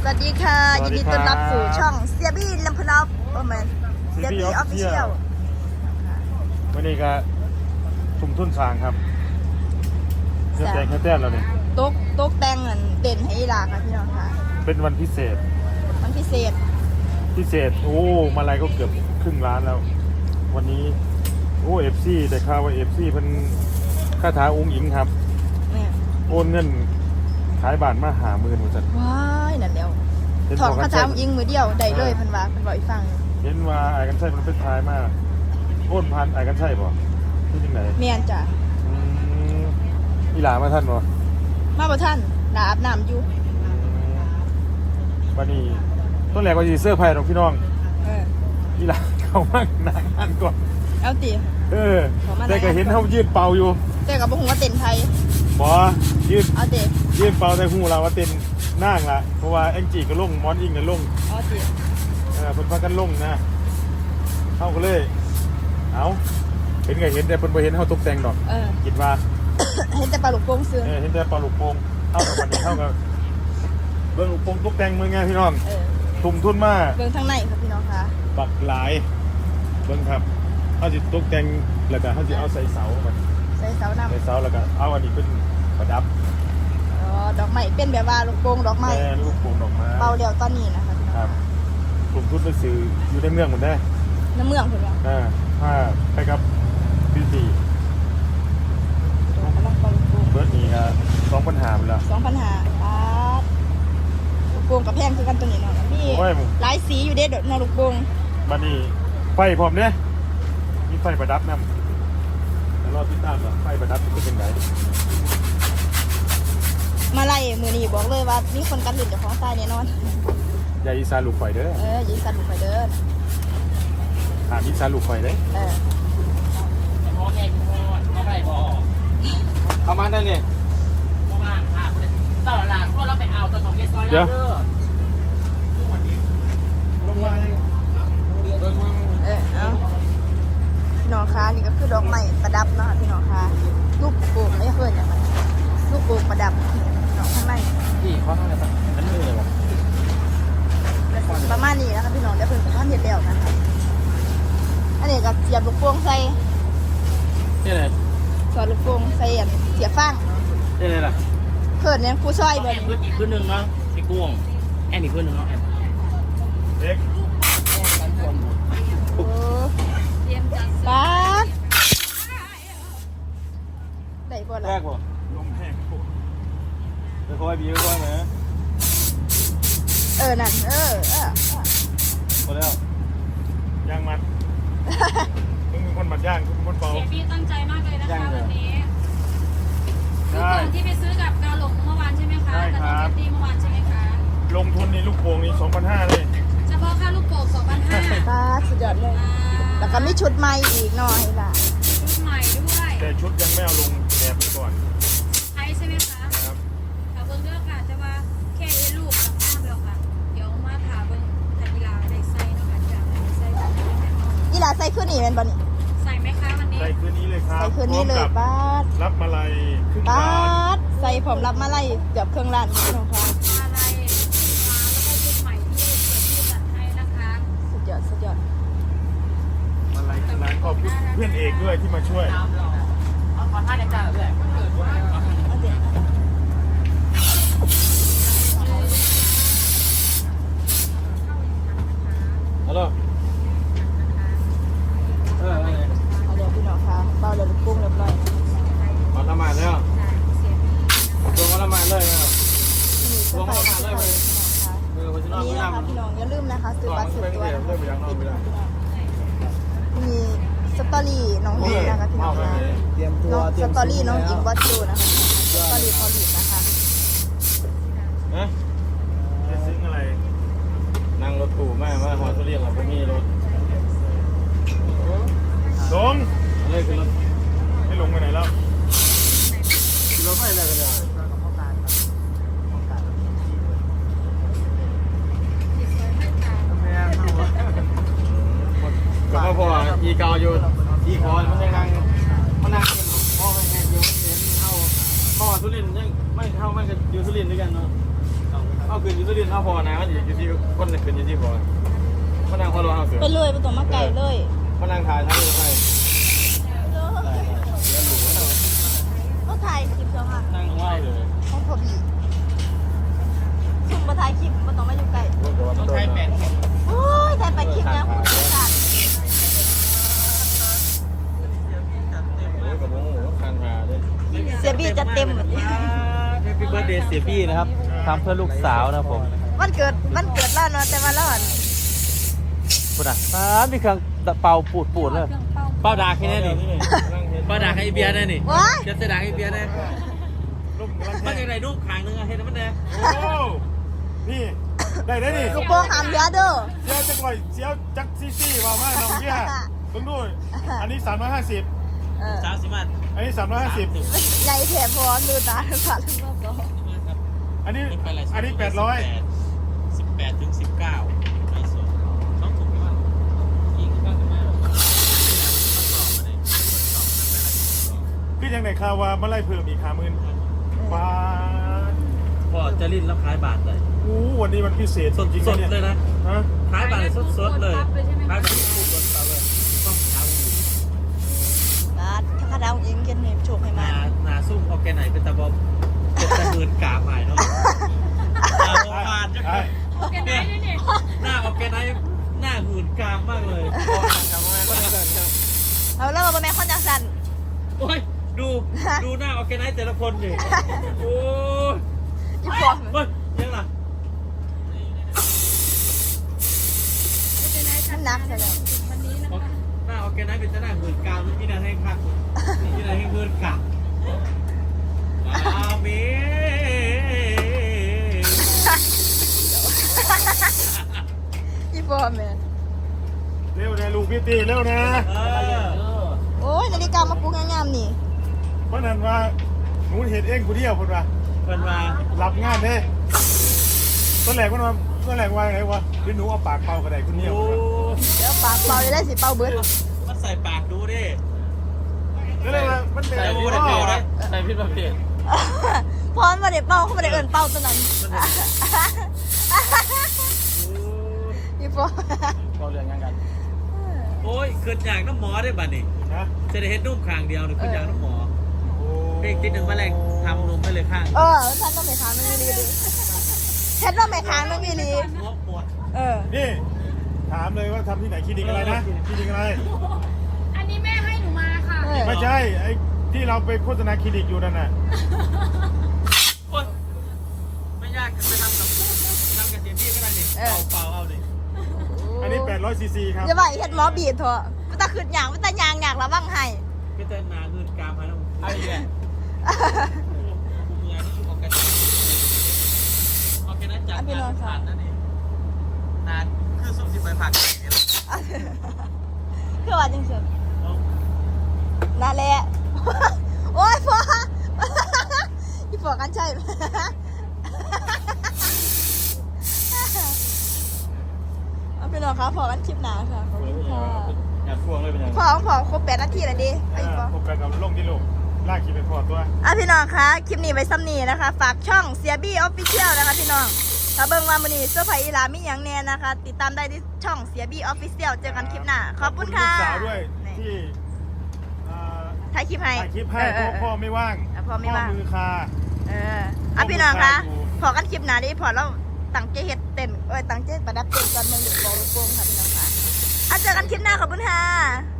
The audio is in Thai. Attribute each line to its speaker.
Speaker 1: วัสดีค่ะยินดีต้อนรับสู่ช่องเซียบี้ลำพูนอฟโอเมนเซียบี้ออฟฟิเชียล
Speaker 2: วันนี้ก็ทุ่มทุนสร้างครับเสื้อแดงแค่แต้มแล้วนี่
Speaker 1: โต๊ะแดงเด่นให้อีหลาค่ะพี่น้องค่ะ
Speaker 2: เป็นวันพิเศษ
Speaker 1: พิเศษ
Speaker 2: โอ้มาลัยก็เกือบครึ่งล้านแล้ววันนี้โอ้FCได้ข่าวว่าFCเพิ่นคาถาอุ้งอิงครับโอนเงินขายบ้านมา50,000ว่าซั่น
Speaker 1: ว้ายนั่นแล้วถอนคาถาอุ้งอิงมือเดียวได้เลยเพิ่นว่าเพิ่นบอกอีกฟัง
Speaker 2: เห็นว่าไอ้กันใช่มันเป็นทายมากโอนพันไอ้กันใช่บ่ที่จังได๋
Speaker 1: แม่นจ้ะ
Speaker 2: อีหลามาท่านบ่
Speaker 1: มาบ่ท่านหลาอาบน้ำอยู่
Speaker 2: วันนี้ต้นแรกว่าสิเสื้อร์ไผ่ของพี่น้องอีหลาเข้ามาหน้างานก่อน
Speaker 1: เอาติ
Speaker 2: แต่ก็เห็นเขายืนเป่าอยู่
Speaker 1: แต่ก็บ่ฮู้ว่าเต้นไทย
Speaker 2: บ่ยืน
Speaker 1: เอาติ
Speaker 2: ยืนเป่าแต่ฮู้เราว่าเต้นนั่งล่ะเพราะว่าแองจี้ก็ลงมอนอิงก็ลง
Speaker 1: เอาติ
Speaker 2: เพิ่นพากันลงนะเฮาก็เลยเอาเห็นก็เห็นแต่เพิ่นบ่เห็นเฮาตกแต่งดอกคิดว่า
Speaker 1: เห็นแต่ปลาลูกโป่งซื่อ
Speaker 2: เห็นแต่ปลาลูกโป่งเฮากับวันนี้เฮาก็เบิ่งลูกโป่งตกแต่งมื้อไงพี่น้องทุ่มทุนมา
Speaker 1: เบิ่งทางในครับพี่น้องค่ะ
Speaker 2: บักหลายเบิ่งครับเฮาสิตกแต่งแล้วก็เฮาสิเอาใส่เสามัน
Speaker 1: ใส่เสานำ
Speaker 2: ใส่เสาแล้วก็เอาอันนี้เป็นประดับ
Speaker 1: ดอกไม้เป็นแบบว่าลูกโป่งดอกไม้
Speaker 2: ลูกโป่งดอกไม้
Speaker 1: เป่าเดียวตอนนี้นะคะ
Speaker 2: ครับกลุ่มทุนไปซื้ออยู่ในเมืองหมดได้
Speaker 1: ในเมืองเพิ่นว่า
Speaker 2: ถ้าไปกับบิวตี้เบิร์ดนี้ครับ2,500หมดแล้ว
Speaker 1: 2,500ลูกโป่งกับแพงคือกันตัวนี้เนาะมีหลายสีอยู่เด้เนาะลูกโป่ง
Speaker 2: บัดนี้ไฟพร้อมเด้มีไฟประดับนำแล้วรอติดตามว่าไฟประดับจะเป็นไง
Speaker 1: มาไล่มือนี้บอกเลยว่ามีคนกันหลุดจากของใต้แน่นอน
Speaker 2: อย่าอีสานลูกไฟเด้อ
Speaker 1: อย่าอีสานลูกไฟเด้อ
Speaker 2: ถามอีสานลูกไฟเด้
Speaker 3: พ่อแม่พ่อไม่พอ
Speaker 2: เอามาได้เนี่ย
Speaker 3: พ่อมาค่ะตลอดหลังพวกเราไปเอาตัวของเกสซอยแล้วเด้อ
Speaker 2: ลงมา
Speaker 1: เอาพี่น้องคะนี่ก็คือดอกไม้ประดับนะคะพี่น้องคะลูกโป่งไม่เคยอย่างไรลูกโป่งประดับน้องข้างใน
Speaker 3: พี่เขาทำอะไรบ้างนั่นมือเลยวะ
Speaker 1: ประมาณนี้นะคะพี่น้องเดี๋ยวเพิ่นจะทำเห็ดแล้วนะคะอันนี้ก็เสียบลูกโป่งใส่
Speaker 3: นี่เลย
Speaker 1: สอดลูกโป่งใส่เสียบฟาง
Speaker 3: นี่เลยล่ะ
Speaker 1: เขินเนี่ยผู้ช่วยแบบ
Speaker 3: อีกพื้นหนึ่งเนาะไอ้กุ้งแอนอีกพื้นหนึ่งเนาะแอน
Speaker 2: เด็ก
Speaker 1: ป้าได้บ่ล่ะ
Speaker 2: แรกบ่ลมแห้งจะคอยบีก็คอยไหม
Speaker 1: นั่น
Speaker 2: พอแล้วย่างมันมึงเป็นคนมัดย่างคุณเป็นคนเบา
Speaker 4: พี่ตั้งใจมากเลยนะคะวันนี้คือของที่ไปซื้อกับกาหลงเมื่อวานใช่ไหมคะกับน้องเจตตี้เมื่อวานใช่ไหมคะ
Speaker 2: ลงทุนในลูกโป่งนี่2,500เลย
Speaker 4: เฉพาะค่าลูกโป่ง2,500
Speaker 1: ป้าสุดยอดเลยแล้วก็มีชุดใหม่อีกหน่อยล่ะ
Speaker 4: ชุดใหม่ด้วย
Speaker 2: แต่ชุดยังไม่เอาลงแอบไปก่อน
Speaker 4: ใช่ใช่ไหมคะ
Speaker 2: ครับ
Speaker 4: เบิ้งเด้อค่ะแต่ว่าแค่ลูกกับข้าวเดียวค่ะเดี๋ยวมาถามเบิ้งทันกีฬาในไส้เนาะค่ะที่ในไส้
Speaker 1: กีฬาไส้ขึ้นนี่เป็นบอลนี่
Speaker 4: ใส่ไหมคะวันนี้
Speaker 2: ใส่คืนนี้เลยครับ
Speaker 1: ใส่คืนนี้เลยป้า
Speaker 2: รับมาลัยครึ่งล้าน
Speaker 1: ใส่ผมรับมาลัยเกือบครึ่งล้านพี่น้องคะ
Speaker 4: มาลัยแล้วก็ชุดใหม่ที่จัดให้นะคะ
Speaker 1: สุดยอด
Speaker 2: มาลัยครึ่งล้านขอบคุณเพื่อนเอกด้วยที่มาช่วย
Speaker 3: ขอท่าในการด้วย
Speaker 2: ฮัลโหล
Speaker 1: เอาเดี๋ยวพี่น้องคะเบาเลยลูกปุ้งเรียบร้อย
Speaker 2: มาละหมาดแล้วลงมาละหมาดเลย
Speaker 1: ลงมาละหมาดเลยนี่นะคะพี่น้องอย่าลืมนะคะซื้อบัตรซื้อตัวมีสตอรี่น้องหญิงนะคะพี่น้องคะสตอรี่น้องหญิงวัดจูนะคะสตอรี่พอลินะคะ
Speaker 2: จะซื้ออะไรนั่งรถตู้แม่ว่าฮอสเรียกเราไม่มีรถลงอะไรคือรถให้ลงไปไหนแล้วรถไฟอะไรกันเนี่ยก็พออีเกาอยู่อีคอนมันยังนั่งเป็นพ่อแม่อยู่เห็นเข้าพ่อสุรินทร์ยังไม่เข้ามันก็อยู่สุรินทร์ด้วยกันเนาะ
Speaker 5: เอาคืนยูทูบดินเอาพอนะมันอยู่ที่คนคืนยูทูบพอพนังพอรอเอาเสือ
Speaker 1: ไปเลยไปตรงมาไก่เลย
Speaker 5: พนังถ่ายทั้งเลยไป
Speaker 1: ก็ถ่ายคลิปแล้วค่ะ
Speaker 5: นั่งไหวเลย
Speaker 1: ห้องพอบีซุ่มมาถ่ายคลิปมาต้องมาอยู่ไก่
Speaker 3: ต้องใช้แปด
Speaker 1: โอ้ยถ่ายไปคลิปแล้วคุณผู้ชม
Speaker 5: โอ้ยกับโมโหคันหาเลย
Speaker 1: เสียบีจะเต็ม
Speaker 5: แฮปปี้เบิร์ดเดย์เสียบี้นะครับทำเพื่อลูกสาวนะผม
Speaker 1: วันเกิดแล้วเนาะแต่ว่าเราอ่ะ
Speaker 5: พูดอ่ะมีเครื่องเป่าปูดเลย
Speaker 4: เครื่องเป่า
Speaker 5: เป่าดาแค่นี้นี่เป่าดาให้เบียร์แน่นี่
Speaker 1: ว้าย
Speaker 5: จะเสดาให้เบียร์แน่
Speaker 2: ลูกกำลัง
Speaker 5: มัน
Speaker 2: แท
Speaker 5: ยังไงลูกขางนึงอะเห็นมันแน่
Speaker 2: โอ้นี่ได้ได้นี่
Speaker 1: ลูกโป่งหามเรือเด้อ
Speaker 2: เสียวจักหน่อยเสียวจักซี่ว่ามากน้องเบี้ยเพิ่งดูอันนี้350
Speaker 1: เออ
Speaker 5: 30 มัน
Speaker 2: อันนี้350
Speaker 1: ใหญ่แถบพอดูตาดูขาดูรอบก็
Speaker 2: อันนี้800
Speaker 5: 18ถึง19ไม่สนต้องถูกไหมยิงข้างมา
Speaker 2: พี่ยังไหนข่าวว่าเมื่อไรเพิ่มอีก50,000บาท
Speaker 5: พอจะลิ้นแล้วขายบาทเลย
Speaker 2: อู้วันนี้มันพิเศษ
Speaker 5: สด
Speaker 2: จริง
Speaker 5: สด
Speaker 2: ๆ
Speaker 5: เลยนะ
Speaker 2: ฮะ
Speaker 5: ขายบาทเลยสดเลยขายแบบถูกรถเราเลยต้องเท้า
Speaker 1: บาดถ้าข้าดาวยิงกันเนี่ยโชคให้
Speaker 5: ห
Speaker 1: มา
Speaker 5: นาซุ่มออแกไหนเป็นตะบอมเป็นตะเมินกาใหม่เนาะตาบอมานจังเลย
Speaker 4: โอเคไหมเนี่ย
Speaker 5: หน้าออแกไหนหน้าหื่นกามมากเลยจำไว้ก็ได้ครับ
Speaker 1: เอาแล้วมาแม่คนจังสัน
Speaker 5: โอ้ยดูหน้าออแกไหนแต่ละคนดิโอ้ย
Speaker 1: อีฟอง
Speaker 5: เฮ้ยยังล่ะ
Speaker 1: มันหนักเลย
Speaker 4: วันนี้นะคะ
Speaker 5: หน้าออแกไหนเป็นหน้าหื่นกามที่นั่นให้คักที่นั่นให้หื่นกามอาเมน
Speaker 1: อีฟองแม่
Speaker 2: เร็วนะลูกพี่ตีเร็วนะ
Speaker 1: โอ้ยนาฬิกามาปลุกงามๆนี่
Speaker 2: เพราะนั้นว่าหนูเห็นเองกูเดียวคนว่า
Speaker 5: เป็นมา
Speaker 2: รับงานเด้ต้นแหลกมันว่าต้นแหลกว่าไงวะคือหนูเอาปากเป่ากระไดคนเดียว
Speaker 5: โอ้
Speaker 1: เดี๋ยวปากเป่าจะได้สิเป่าเบิด
Speaker 5: มันใส่ปากดูดิ
Speaker 2: แล้วเลยว่ามันเป็น
Speaker 5: ใส่พูดได้เปล่านะใส่พิษประเภท
Speaker 1: พร้อมมาเดี๋ยวเป่าเขาไม่ได้เอินเป่าตัวนั้นอีฟอง
Speaker 5: ก็เรื่องงานกันโอ้ยขึ้นอย่างน้ำหมอได้บ้านี่
Speaker 2: นะ
Speaker 5: จะได้เห็นนุ่มคางเดียวหนึ่งขึ้นอย่างน้ำหมอเพลงติดหนึ่งมาแรงทำนมไปเลยข้าง
Speaker 1: ท่านต้องไปค้างนึงอีลีดิฉันต้องไปค้างนึงอีลี
Speaker 5: งบหมด
Speaker 2: นี่ถามเลยว่าทำที่ไหนคลินิกอะไรนะคลินิกอะไร
Speaker 4: อันนี้แม่ให้หนูมาค่ะ
Speaker 2: ไม่ใช่ไอ้ที่เราไปโฆษณาคลินิกอยู่นั่นน่ะ
Speaker 5: โอ้ยไม่ยากไปทำกับเสียพี่ก็ได้ดิเป่าเอาดิ
Speaker 2: อันนี้800 ซีซีครับ
Speaker 1: อย่าว่าเฮ็ดหมอบีดเถอะมันตาขึ้นอย่างมันตายางอยากระวังให้
Speaker 5: ก็จะนาเงินกามให้น้องไอ้เนี่ยกูเมื่อยที่อยู่ออกกันออกกันนั้นจัดงานผ่านนั่นเองนานคือสุ่มสิบใบผ่านเนี่ย
Speaker 1: คือว่าจังซี่นั่นแหละโอ้ยพ่ออีฟอกันใช่เอาไปนอนค่ะพอกันคลิปหนาค่ะขอบคุณค่ะ
Speaker 5: อยากพวงเลยเป็นยังไง
Speaker 1: พอครบ8 นาทีแล้วดิไอ้ฟอ
Speaker 2: ผมกันกับลงที่ลูกลากขี่ไปพอตัว
Speaker 1: พี่น้องคะคลิปนี้ไว้ซ้ำนี้นะคะ ฝากช่องเสียบี้ออฟฟิเชียลนะคะพี่น้องถ้าเบิ่งว่ามื้อนี้เสื้อผ้าอีหลามีหยังแน่นะคะ ติดตามได้ที่ช่องเสียบี้ออฟฟิเชียลเจอกันคลิปหน้าขอบคุณค่ะ
Speaker 2: ลูกสาวด้วย
Speaker 1: นี่
Speaker 2: ที่
Speaker 1: ถ่ายคลิปให้
Speaker 2: ถ่ายคลิปให้เพราะพ่อไม่ว่าง
Speaker 1: พ่อไม่ว่าง
Speaker 2: มือคา
Speaker 1: พี่น้องคะ
Speaker 2: อยู่
Speaker 1: พอกันคลิปหน้าดิพอเราตั้งใจเฮ็ดเต้นตั้งใจประดับเต้นกันเมืองเด็กบอลลูกโป่งค่ะพี่น้องค่ะเจอกันคลิปหน้าขอบคุณค่ะ